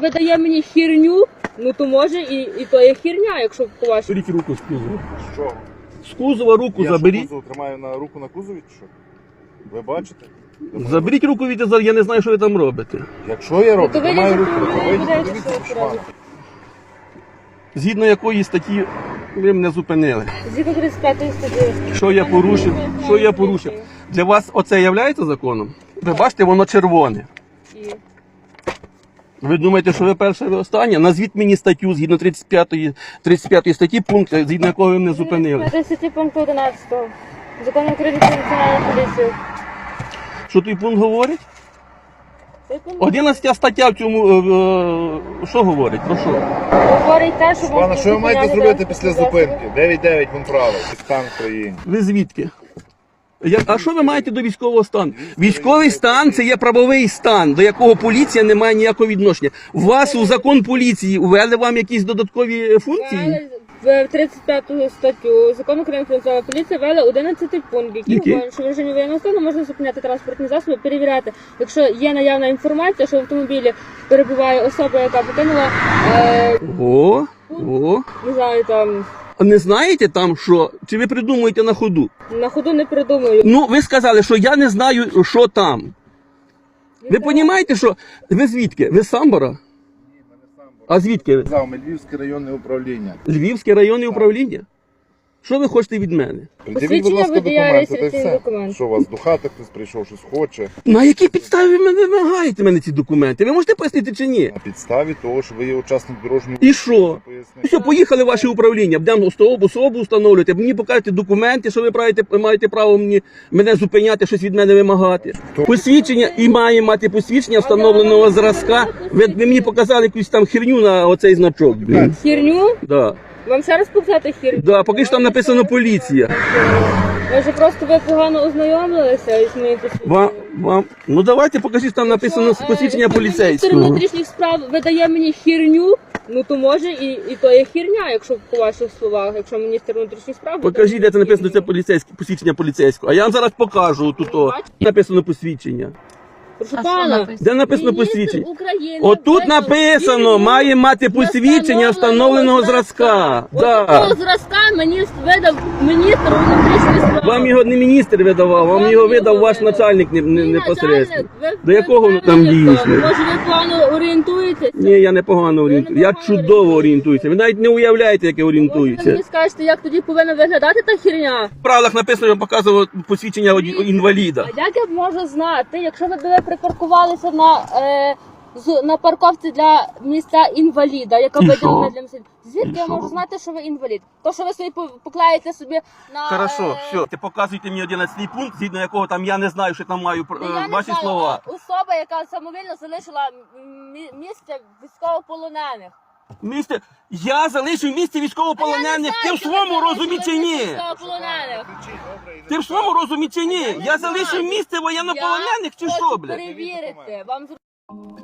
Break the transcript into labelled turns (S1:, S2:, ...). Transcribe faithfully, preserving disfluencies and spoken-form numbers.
S1: видає мені херню, ну то може і, і то є херня, якщо по вашому.
S2: Беріть руку з кузова.
S3: З чого?
S2: З кузова руку
S3: Я
S2: заберіть.
S3: що, кузов тримаю на руку на кузові, чи що? Ви бачите?
S2: Заберіть руку від зад, я не знаю, що ви там робите.
S3: Якщо я роблю,
S1: Ну, то ви
S3: тримаю
S1: не
S3: руку, то
S1: знаєте,
S3: вийдіть,
S1: що
S3: подивіться,
S1: ви
S3: що шмат.
S1: робите.
S2: Згідно якої статті ви мене зупинили.
S1: Згідно тридцять п'ятої статті.
S2: Що я порушив? Що я порушив? Для вас оце є законом? Ви бачите, воно червоне.
S1: І
S2: Ви думаєте, що ви перше, ви останнє? Назвіть мені статтю згідно тридцять п'ятої, тридцять п'ятої статті, пункт, згідно якого ви мене зупинили.
S1: тридцять п'ятої статті пункту одинадцятого. Закону України про національну поліцію.
S2: Що той пункт говорить?
S1: Цей пункт
S2: одинадцята стаття в цьому, е, е, що говорить? Про що?
S1: говорить те, що
S3: Пане, що ви маєте
S1: зупиняти
S3: зробити
S1: транспортні
S3: після
S1: засоби.
S3: зупинки? дев'ять дев'ять вон право, стан в країні.
S2: Ви звідки? Я, а що ви маєте до військового стану? Військовий стан це є правовий стан, до якого поліція не має ніякого відношення. У вас у закон поліції ввели вам якісь додаткові функції?
S1: В тридцять п'яту статтю Закону України про національну поліцію ввели одинадцятий пункт, який
S2: Який?
S1: говорить, що в режимі воєнного стану можна зупиняти транспортні засоби, перевіряти, якщо є наявна інформація, що в автомобілі перебуває особа, яка покинула, е,
S2: О, о.
S1: не знаю, там,
S2: А не знаєте там що? Чи ви придумуєте на ходу?
S1: на ходу не придумаю.
S2: Ну, ви сказали, що я не знаю, що там. Ви розумієте, що... Ви звідки? Ви з Самбора? А звідки ви?
S3: Зав, Львівське районне управління.
S2: Львівське районне управління? Що ви хочете від мене?
S3: Придивіть, будь ласка,
S1: водія,
S3: документи, та й
S1: реєстраційний
S3: все.
S1: документ.
S3: Що у вас до хати хтось прийшов, щось хоче?
S2: На якій підставі ви мене вимагаєте мене ці документи? Ви можете пояснити чи ні?
S3: На підставі того, що ви є учасник дорожнього
S2: І що?
S3: Пояснити.
S2: Все, поїхали в ваше управління, будемо особу, особу встановлювати, мені покажете документи, що ви маєте, маєте право мені, мене зупиняти, щось від мене вимагати.
S3: Хто?
S2: Посвідчення і має мати посвідчення встановленого зразка. Ви, ви мені показали якусь там херню на оцей значок. Блін.
S1: Херню?
S2: Да.
S1: Вам ще раз показати херню?
S2: Да, поки що там написано поліція.
S1: Може просто ви погано ознайомилися із моїм посвідченням?
S2: Вам, вам, ну давайте покажіть, там написано
S1: Що, е,
S2: посвідчення
S1: якщо Міністр
S2: поліцейського.
S1: внутрішніх справ видає мені херню, ну то може і, і то є херня, якщо по ваших словах, якщо міністр внутрішніх справ...
S2: Покажіть, де це написано, це
S1: херню.
S2: поліцейське, посвідчення поліцейського. А я вам зараз покажу тут о, написано посвідчення.
S1: Прошу
S4: А
S1: пана,
S4: що написано?
S2: Де написано
S1: міністр
S2: посвідчення?
S1: України
S2: Отут
S1: видав
S2: написано,
S1: херню
S2: має мати посвідчення встановленого зразка.
S1: Отакого
S2: Да.
S1: зразка мені видав міністр внутрішніх справ.
S2: Вам його не міністр видавав, вам його видав ваш начальник не- не-
S1: Мій
S2: непосередньо.
S1: начальник, ви-
S2: До
S1: ви
S2: якого воно там
S1: впевнені,
S2: дійсно?
S1: хто? Може ви погано орієнтуєтеся?
S2: Ні, я непогано орієнтуюся. Я
S1: непогано
S2: чудово
S1: орієнтуєтеся.
S2: орієнтуюся. Ви навіть не уявляєте, як я
S1: Може ви
S2: орієнтуюся.
S1: мені скажете, як тоді повинна виглядати та херня?
S2: В правилах написано, я показував посвідчення інваліда.
S1: А як я можу знати, якщо ви були припаркувалися на, е, з, на парковці для місця інваліда, яка
S2: І
S1: виділена
S2: що?
S1: для місця? Звідки
S2: І
S1: я
S2: що?
S1: можу знати, що ви інвалід? То, що ви собі по- поклеїте собі на...
S2: Хорошо,
S1: е,
S2: все. Ти показуйте мені одинадцятий пункт, згідно якого там я не знаю, що там маю
S1: ну,
S2: е,
S1: я не
S2: ваші
S1: знаю,
S2: слова.
S1: Особа, яка самовільно залишила мі- місце військовополонених.
S2: Місце, я залишив місце військовополонених. Ти в своєму розумі чи ні?
S1: Військовополонених.
S2: Ти в своєму розумі чи ні? Я залишив місце воєннополонених чи
S1: Я
S2: що,
S1: хочу
S2: блядь?
S1: перевірити. Вам зр-